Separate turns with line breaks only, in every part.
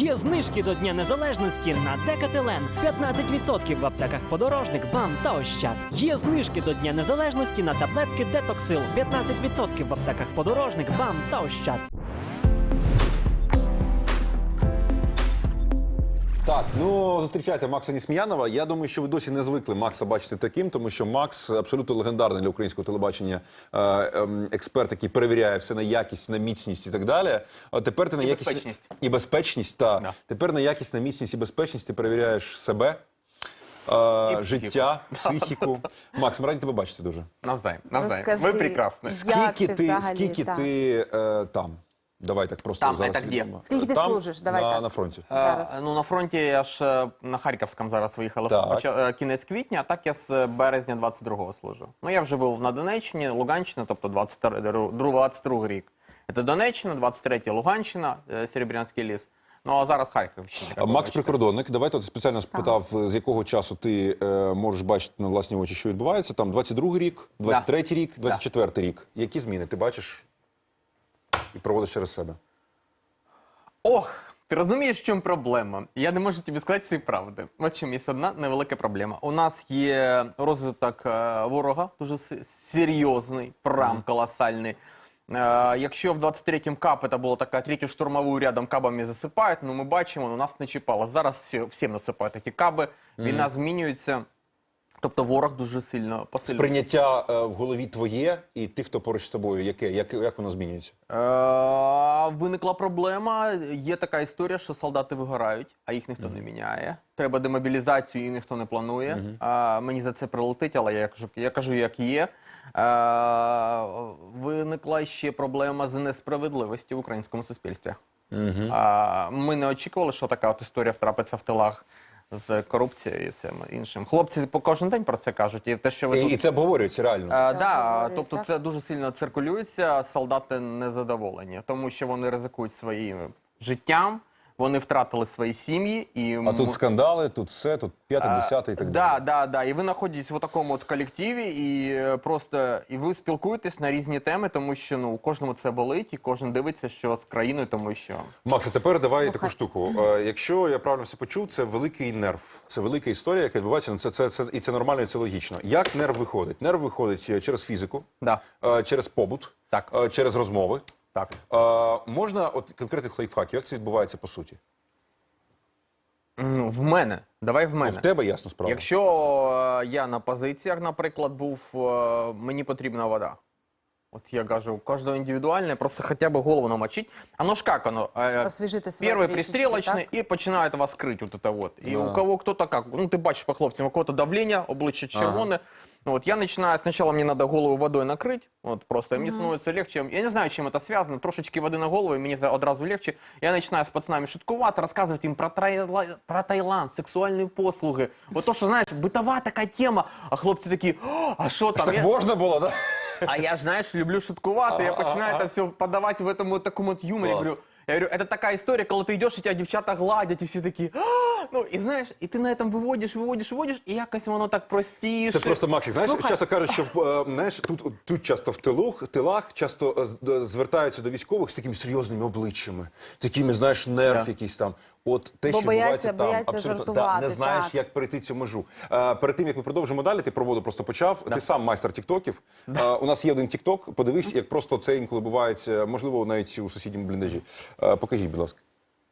Є знижки до Дня Незалежності на Декателен. 15% в аптеках Подорожник, БАМ та Ощад. Є знижки до Дня Незалежності на таблетки Детоксил. 15% в аптеках Подорожник, БАМ та Ощад.
Так, ну зустрічайте Макса Несміянова. Я думаю, що ви досі не звикли Макса бачити таким, тому що Макс абсолютно легендарний для українського телебачення експерт, який перевіряє все на якість, на міцність і так далі. А тепер ти на якість
безпечність.
І безпечність, так.
Да.
Тепер на якість, на міцність і безпечність ти перевіряєш себе, життя, психіку. Макс, ми раді тебе бачити дуже.
Навзаєм.
Розкажи,
Ви прекрасні.
Скільки ти там? Давай так просто
Там,
зараз.
це де?
Скільки ти
Там,
служиш? Давай так.
на фронті.
Зараз.
Ну, на фронті я ж на Харківському зараз виїхав кінець квітня, а так я з березня 22-го служу. Ну, я вже був на Донеччині, Луганщині, тобто 22 рік. Це Донеччина, 23-й Луганщина, Серебрянський ліс. Ну, а зараз Харківщина.
Макс прикордонник. Давайте спеціально спитав, з якого часу ти можеш бачити на власні очі, що відбувається. Там 22-й рік, 23-й рік, 24-й рік. Які зміни ти бачиш і проводиш через себе?
Ох, ти розумієш, в чому проблема? Я не можу тобі сказати всі правди. От чим є одна невелика проблема. У нас є розвиток ворога, дуже серйозний, прям колосальний. Якщо в 23-м КАП це було така третю штурмову рядом кабами засипають, ну ми бачимо, у нас не чіпало. Зараз всім насипають такі каби, війна змінюється. Тобто ворог дуже сильно посилюється.
Сприйняття в голові твоє і тих, хто поруч з тобою, яке? Як воно змінюється?
Виникла проблема. Є така історія, що солдати вигорають, а їх ніхто не міняє. Треба демобілізацію, і ніхто не планує. Мені за це прилетить, але я кажу, як є. Виникла ще проблема з несправедливості в українському суспільстві. Ми не очікували, що така от історія втрапиться в тилах з корупцією і всім іншим. Хлопці по кожен день про це кажуть. І те, що ви
І це обговорюється реально?
Да, тобто це дуже сильно циркулюється, солдати незадоволені, тому що вони ризикують своїм життям, вони втратили свої сім'ї.
А тут скандали, тут все, тут 5-10 і так далі.
Да. І ви знаходитесь в такому от колективі, і ви спілкуєтесь на різні теми, тому що у кожному це болить, і кожен дивиться, що з країною, тому що...
Макс, а тепер давай таку штуку. Якщо я правильно все почув, це великий нерв. Це велика історія, яка відбувається, і це нормально, і це логічно. Як нерв виходить? Нерв виходить через фізику, через побут, через розмови.
Так.
Можна от конкретних лайфхаків, як це відбувається по суті?
В мене. Давай в мене.
В тебе ясна справа.
Якщо я на позиціях, наприклад, був, мені потрібна вода. От я кажу, у кожного індивідуальне, просто хоча б голову намочить. Оно ж как оно?
Освіжити себе
Перший
трішечки,
пристрілочний
так?
і починає вас крити. Вот это вот. І у кого хто-то як. Ну, ти бачиш по хлопцям, у кого-то давлення, обличчя червоне. Вот я начинаю, сначала мне надо голову водой накрыть, вот просто мне становится легче. Я не знаю, чем это связано, трошечки воды на голову, и мне одразу легче. Я начинаю с пацанами шуткувати, рассказывать им про Таиланд, сексуальные послуги. Вот то, что, знаешь, бытовая такая тема, а хлопці такі, а що там?
Так можна було, да?
А я ж, знаєш, люблю шуткувати, я починаю це все подавати в этом такому от юморі. Я говорю, это такая история, когда ты идешь, и тебя дівчата гладять, і всі такі, ну, і знаєш, і ти на этом виводиш, і якось воно так простіше.
Це просто, Максик, знаєш, часто кажуть, що знаєш, тут часто в тилах часто звертаються до військових з такими серйозними обличчями, такими, знаєш, нерв якийсь там. От те, що відбувається там, абсолютно не знаєш, як перейти цю межу. Перед тим, як ми продовжимо далі, ти про воду просто почав, ти сам майстер тіктоків. У нас є один тікток, подивись, як просто це інколи бувається, можливо, навіть у сусідньому бліндажі. Покажіть, будь ласка.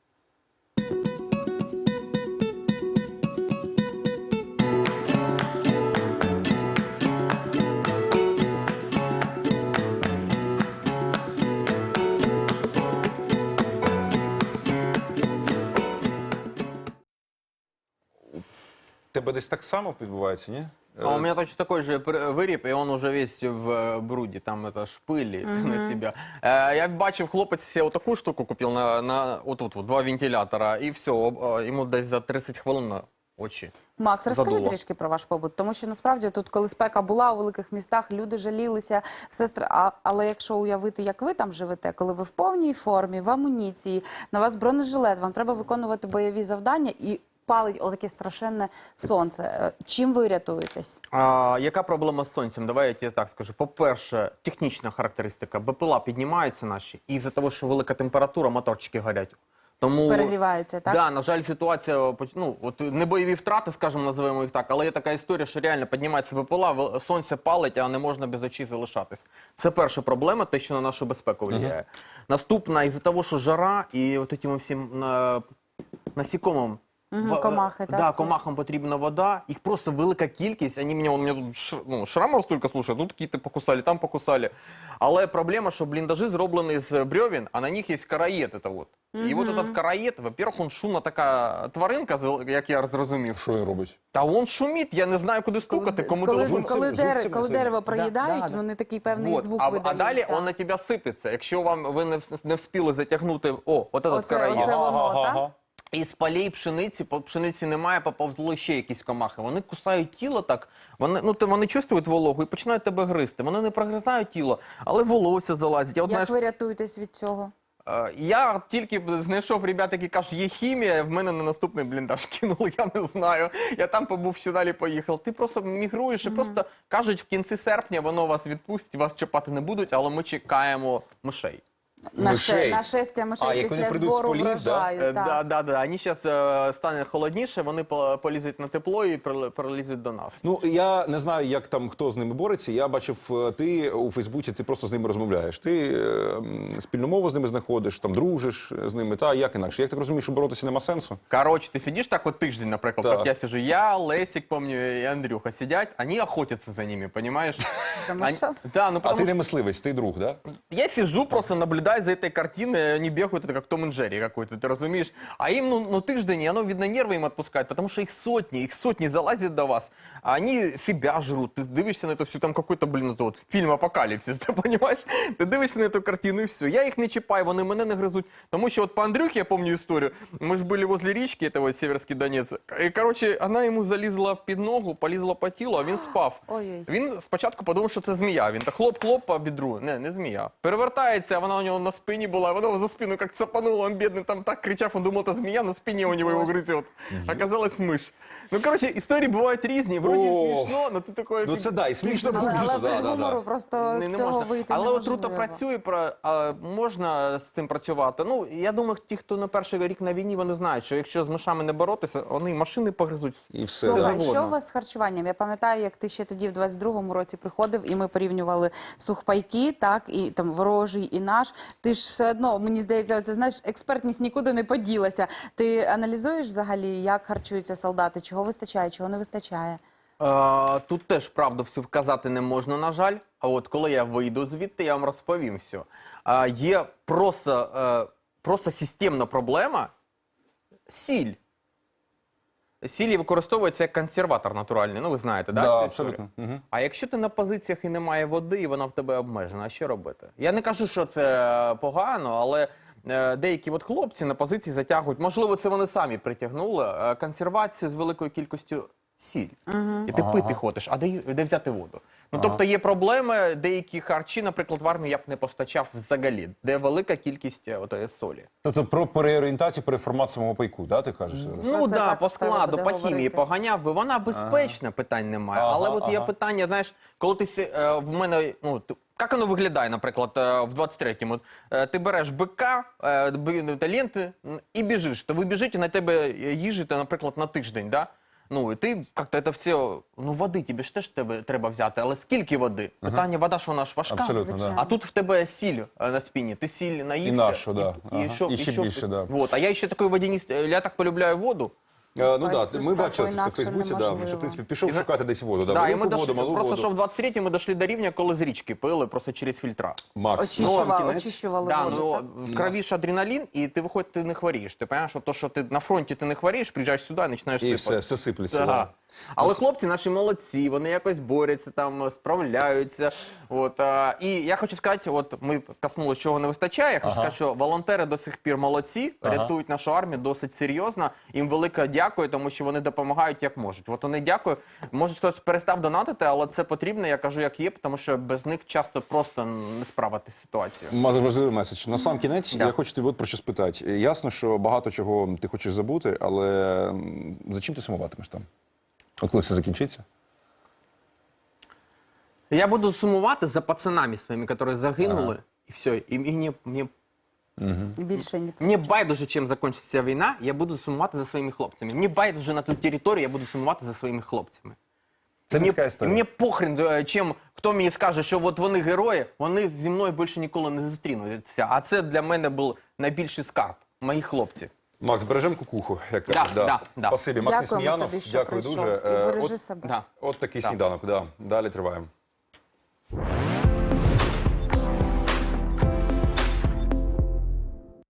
Тебе десь так само відбувається, ні?
А у меня точно такой же виріб, и он уже весь в бруді, там это шпилі на себя. Я бачив, хлопець себе отаку штуку купив отут, 2 вентилятора, і все, йому десь за 30 хвилин на очі.
Макс, розкажи
задуло.
трішки про ваш побут, тому що насправді тут, коли спека була у великих містах, люди жалілися, але якщо уявити, як ви там живете, коли ви в повній формі, в амуніції, на вас бронежилет, вам треба виконувати бойові завдання і палить отаке страшенне сонце. Чим ви рятуєтесь?
Яка проблема з сонцем? Давай я тебе так скажу. По-перше, технічна характеристика. БПЛА піднімаються наші, і з-за того, що велика температура, моторчики горять. Тому
Перегріваються, так?
Да, на жаль, ситуація, ну, от не бойові втрати, скажімо, називаємо їх так, але є така історія, що реально піднімається БПЛА, сонце палить, а не можна без очей залишатись. Це перша проблема, те, що на нашу безпеку впливає. Наступна, із-за того, що жара і от этим всім насікомим,
комахи, так,
да,
всі.
комахам потрібна вода, їх просто велика кількість, у мене тут шрамов стільки, слушай, тут кіти покусали, там покусали. Але проблема, що бліндажі зроблені з бревен, а на них є караєт. І от этот караєт, во-первых, він шумна така тваринка, як я зрозумів.
Що він робить?
Та він шумить, я не знаю, куди стукати, кому
Коли дерево проїдають,
Да.
вони такий певний
Вот.
звук
А
видають.
далі
так.
він на тебе сипеться. Якщо ви не встигли затягнути, от этот караєт.
Оце воно, так?
Із полей пшениці немає, поповзли ще якісь комахи. Вони кусають тіло так, вони чувствують вологу і починають тебе гризти. Вони не прогризають тіло, але волосся залазить.
Як ви рятуєтесь від цього?
Я тільки знайшов ребят, які кажуть, є хімія, в мене на наступний бліндаж кинули, я не знаю. Я там побув, ще далі поїхав. Ти просто мігруєш і просто кажуть, в кінці серпня воно вас відпустить, вас чіпати не будуть, але ми чекаємо мишей.
Мишей.
Нашестя мишей
як вони
після
прийдуть з
збору
полів, да?
врожаю. так.
Да. Вони зараз стане холодніше, вони полізуть на тепло і прилізуть до нас.
Ну, я не знаю, як там, хто з ними бореться. Я бачив, ти у Фейсбуці, ти просто з ними розмовляєш. Ти спільну мову з ними знаходиш, там дружиш з ними, та як інакше. Як так розумієш, що боротися нема сенсу?
Короче, ти сидиш так от тиждень, наприклад,
Так.
як я сижу, я, Лесик, помню, і Андрюха сидять, вони охотяться за ними, понимаешь?
За мишами?
Да, ну
А
потому
ти
что
не мисливець, ти друг, да?
я сижу, просто наблюдаю за этой картиной, они бегают, это как Том и Джерри какой-то, ты разумеешь? А им, ну тиждень, и оно, видно, нервы им отпускает, потому что их сотни залазят до вас, а они себя жрут. Ты дивишься на это все, там какой-то, блин, это вот фильм «Апокалипсис», ты понимаешь? Ти дивишся на эту картину, і все. Я їх не чіпаю, вони мене не гризуть. Тому що от по Андрюхе, я помню історію, ми ж були возле річки, этого Северський Донець, і, короче, вона йому залізла під ногу, полізла по тілу, а він спав.
Ой-ой.
Він спочатку подумав, що це змія. Він так хлоп-хлоп по бідру. Не змія. Перевертається, а вона у нього на спині була, вона його за спину як цапанула, він бідний там так кричав, він думав, це змія, на спині у нього його гризет. Оказалось миш. Ну, короче, історії бувають різні, вроді смішно, але ти такої...
Ну це да, і смішно,
Але
смішно,
без
да.
гумору просто
Не
з цього
можна.
вийти
Але
неможливо.
отрута працює, можна з цим працювати. Ну, я думаю, ті, хто на перший рік на війні, вони знають, що якщо з мишами не боротися, вони машини погризуть.
І все.
Це
Слухай,
завгодно.
що у вас з харчуванням? Я пам'ятаю, як ти ще тоді в 22-му році приходив, і ми порівнювали сухпайки, так, і там ворожий, і наш. Ти ж все одно, мені здається, це, знаєш, експертність нікуди не поділася. Ти аналізуєш взагалі, як харчуються солдати, чого вистачає, чого не вистачає?
Тут теж правду всю вказати не можна, на жаль. А от коли я вийду звідти, я вам розповім все. Є просто системна проблема – сіль. Сіль використовується як консерватор натуральний, ну ви знаєте, да?
Да,
цю історію?
абсолютно. Мгм.
А якщо ти на позиціях і немає води, і вона в тебе обмежена, а що робити? Я не кажу, що це погано, але деякі от хлопці на позиції затягують, можливо, це вони самі притягнули, консервацію з великою кількістю сіль. І ти пити ходиш, а де взяти воду? Ну, тобто є проблеми, деякі харчі, наприклад, в армії я б не постачав взагалі, де велика кількість отої солі.
Тобто про переорієнтацію, переформат самого пайку, да, ти кажеш зараз?
Ну
це
да,
так
по
треба
складу,
буде
по хімії
говорити.
поганяв би. Вона безпечна, питань немає.
Ага,
Але от є
ага.
питання, знаєш, коли ти в мене, ну, як воно виглядає, наприклад, в 23-му? Ти береш бика, ленти і біжиш. То ви біжите, на тебе їжите, наприклад, на тиждень, да? Ну, і ти як-то це все, ну, води тобі ж теж треба взяти, але скільки води? Питання, вода ж вона ж важка.
Абсолютно, да.
А тут в тебе сіль на спині, ти сіль наївся.
І нашу, да. Ага.
що-
І ще
що-
більше, да.
Вот. А я ще такий водянист, я так полюбляю воду.
Ну так,
цю
ми
спеку
бачили це в
інакше
Фейсбуці, да,
неможливо.
що, в принципі, пішов шукати десь воду, да,
Да, і
велику
ми
воду,
дошли,
малу
просто
воду.
що в 23-й ми дійшли до рівня, коли з річки пили, просто через фільтра.
Макс.
Очищували
Да,
воду,
ну,
так?
в крові ж адреналін, і ти виходить, ти не хворієш. Ти розумієш, що то, що ти на фронті ти не хворієш, приїжджаєш сюди і починаєш
І
сипати.
все сиплеться.
Ага.
Да.
Але хлопці наші молодці, вони якось борються, там, справляються. От, і я хочу сказати, от ми коснулися, чого не вистачає, я хочу сказати, що волонтери до сих пір молодці, рятують нашу армію досить серйозно. Їм велике дякую, тому що вони допомагають як можуть. От вони дякую. Може хтось перестав донатити, але це потрібно, я кажу, як є, тому що без них часто просто не справити ситуацію.
Важливий меседж. На сам кінець
Да.
я хочу тебе от про що спитати. Ясно, що багато чого ти хочеш забути, але за чим ти сумуватимеш там? От коли все закінчиться?
Я буду сумувати за пацанами своими, які загинули, і все. І мені
І більше ні.
Мені байдуже, чим закінчиться війна, я буду сумувати за своїми хлопцями. Мені байдуже на ту територію, я буду сумувати за своїми хлопцями.
Це не така історія.
Мені похрен, чим хто мені скаже, що от вони герої, вони зі мною більше ніколи не зустрінуться. А це для мене був найбільший скарб, мої хлопці.
Макс, бережемо кукуху, як кажуть.
Да.
Спасибі. Макс
Дякуємо
Несміянов,
тобі, що
дякую
прийшов.
дуже.
І бережи
От-
себе.
Да.
От такий сніданок, да. Далі триваємо.